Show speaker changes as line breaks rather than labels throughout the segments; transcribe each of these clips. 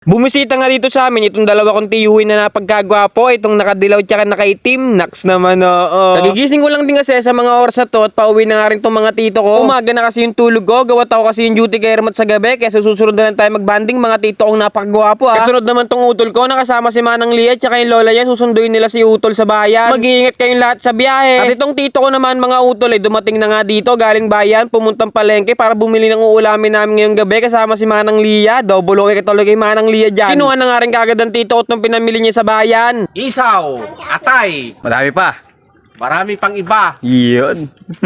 Bumisita nga dito sa amin itong dalawa kong tiyuhin na napagkagwapo, itong nakadilaw tsaka nakaitim. Naks naman, oo. Nagigising ko lang din kasi sa mga oras na to at pauwi na nga rin tong mga tito ko. Umaga na kasi yung tulog ko, gawat ako kasi yung duty kay Hermat sa gabi, kaya susunod na lang tayo magbanding mga tito kong napakagwapo ha. Kasunod naman tong utol ko, nakasama si Manang Lia tsaka yung lola niya, susunduin nila si utol sa bayan. Mag-iingat kayong lahat sa biyahe. At itong tito ko naman mga utol ay dumating na nga dito galing bayan, pumuntang palengke para bumili ng uulamin namin ngayong gabi kasama si Manang Lia. Double okay katulog kay Manang Lia dyan. Kinuha na nga rin kagad ang tito ko nung pinamili niya sa bayan.
Isaw, atay,
Madami pa.
marami pang iba.
Yun.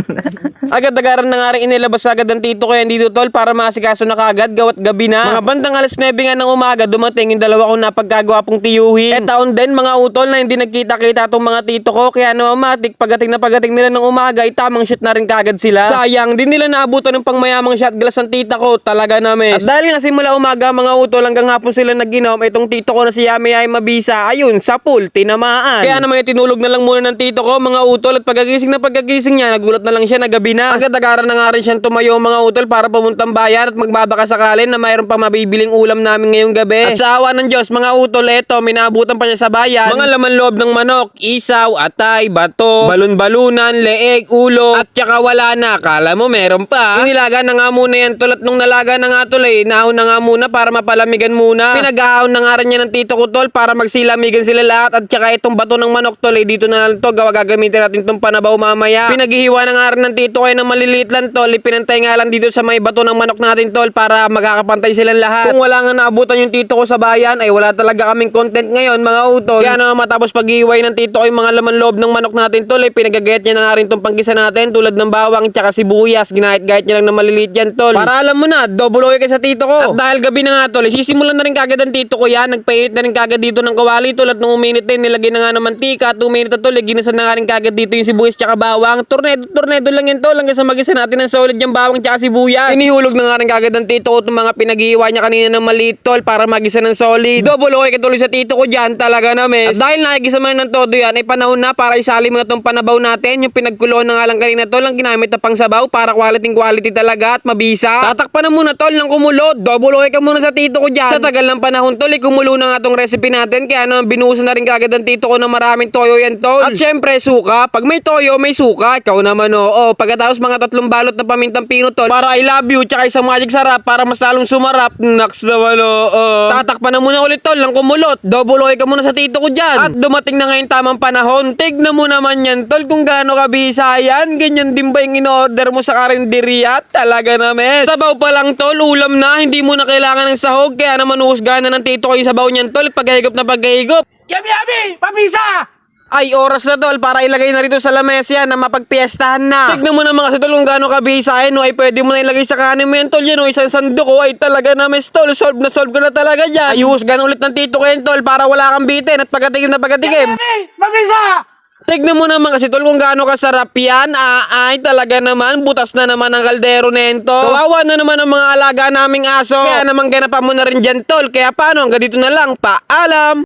Agad-agaran na nga rin inilabas agad ang tito ko yan dito tol para maasikaso na kagad gawat gabi na. Mga bandang alas 9 nga ng umaga dumating yung dalawa kong napagkagwapong tiyuhin. Taon din mga utol na hindi nagkita-kita itong mga tito ko kaya matik pagating nila ng umaga ay tamang shot na rin kagad sila. Sayang din nila naabutan ng pangmayamang shot glass ang tita ko talaga na miss. At dahil nga simula umaga mga utol hanggang hapon sila naginom itong tito ko na si Yami ay mabisa ayun sa pool tinamaan. Kaya naman tinulog na lang muna ng tito ko mga utol at pagkagising niya nagulat na lang siya na gabi na. Agad-agaran na nga rin siyang tumayo mga utol para pumuntang bayan at magbabaka sakalin na mayroon pa mabibiling ulam namin ngayong gabi. At sa awa ng Diyos mga utol eto minabutan pa niya sa bayan mga laman loob ng manok, isaw, atay, bato, balon-balunan, leeg, ulo at tsaka wala na. Kala mo meron pa. Inilaga na nga muna yan tol at nung nalaga na nga tol naahon na nga muna para mapalamigan muna. Pinag-ahon na nga rin niya ng tito ko tol para magsilamigan sila lahat at tsaka itong bato ng manok tol dito na lang to gagamitin natin itong panabaw mamaya. Pinaghihiwa na nga rin ng tito ko na maliliit lang tol, ipinantay nga lang dito sa may bato ng manok natin tol para magkakapantay silang lahat. Kung wala nga naabutan yung tito ko sa bayan ay wala talaga kaming content ngayon mga utol. Kaya naman matapos paghihiway ng tito ko yung mga laman loob ng manok natin tol pinagagayat niya na nga rin itong panggisa natin tulad ng bawang tsaka sibuyas. Ginahit-gahit niya lang na maliliit yan tol para alam mo na double oy kay sa tito ko. At dahil gabi na nga tol sisimulan na rin kagad ang tito ko yan. Nagpainit na rin kagad dito ng kawali tol at nung uminit din nilagay na nga ng mantika at uminit na tol ginisa na nga rin kagad dito yung sibuyas tsaka bawang. Tornado lang yan tol hanggang sa magisa natin ng solid yung bawang tsaka sibuyas. Inihulog na nga rin kagad ng tito ko itong mga pinaghihiwa niya kanina ng maliit tol para magisa ng solid. Double okay katuloy sa tito ko dyan talaga na miss. At dahil nakikisa man ng todo yan ay panahon na para isali mo na itong panabaw natin. Yung pinagkuloan na nga lang kanina tol ang ginamit na pang sabaw para quality talaga at mabisa. Tatakpan na muna tol ng kumulo. Double okay ka muna sa tito ko dyan. Sa tagal ng panahon tol kumulo na nga tong recipe natin kaya naman binuhusan na rin kagad ng tito ko ng maraming toyo yan tol. At syempre suka. Pag may toyo may suka. Ikaw naman oo. Pagkatapos mga 3 balot na pamintang pino tol para I love you tsaka isang magic sarap para mas lalong sumarap. Naks naman oo. Tatakpan na muna ulit tol ng kumulot. Double okay ka muna sa tito ko dyan. At dumating na ngayon tamang panahon. Tignan mo naman yan tol kung gaano kabisa yan. Ganyan din ba yung in-order mo sa karinderya? Talaga na mes. Sabaw pa lang tol, ulam na. Hindi mo na kailangan ng sahog. Kaya naman uhusgahan na ng tito ko yung sabaw niyan tol. Paghigop na paghigop.
Yami, yami, pabisa!
Ay, oras na tol para ilagay na rito sa lamesa na mapagpiestahan na. Tignan mo naman kasi tol kung gaano kabisa ay pwede mo na ilagay sa kanin mo yan tol yan isang sandok ay talaga na mes tol. Solve ka na talaga dyan. Ay, uhusgahan ulit ng tito ko yan tol para wala kang bitin at pagkatikim na pagkatikim.
Yami, pabisa!
Tignan mo naman kasi tol kung gaano kasarap yan. Ay, talaga naman. Butas na naman ang kaldero nento. Kawawa na naman ang mga alaga naming aso. Kaya naman ganapan mo na rin dyan tol. Kaya paano? Hanggang dito na lang. Paalam!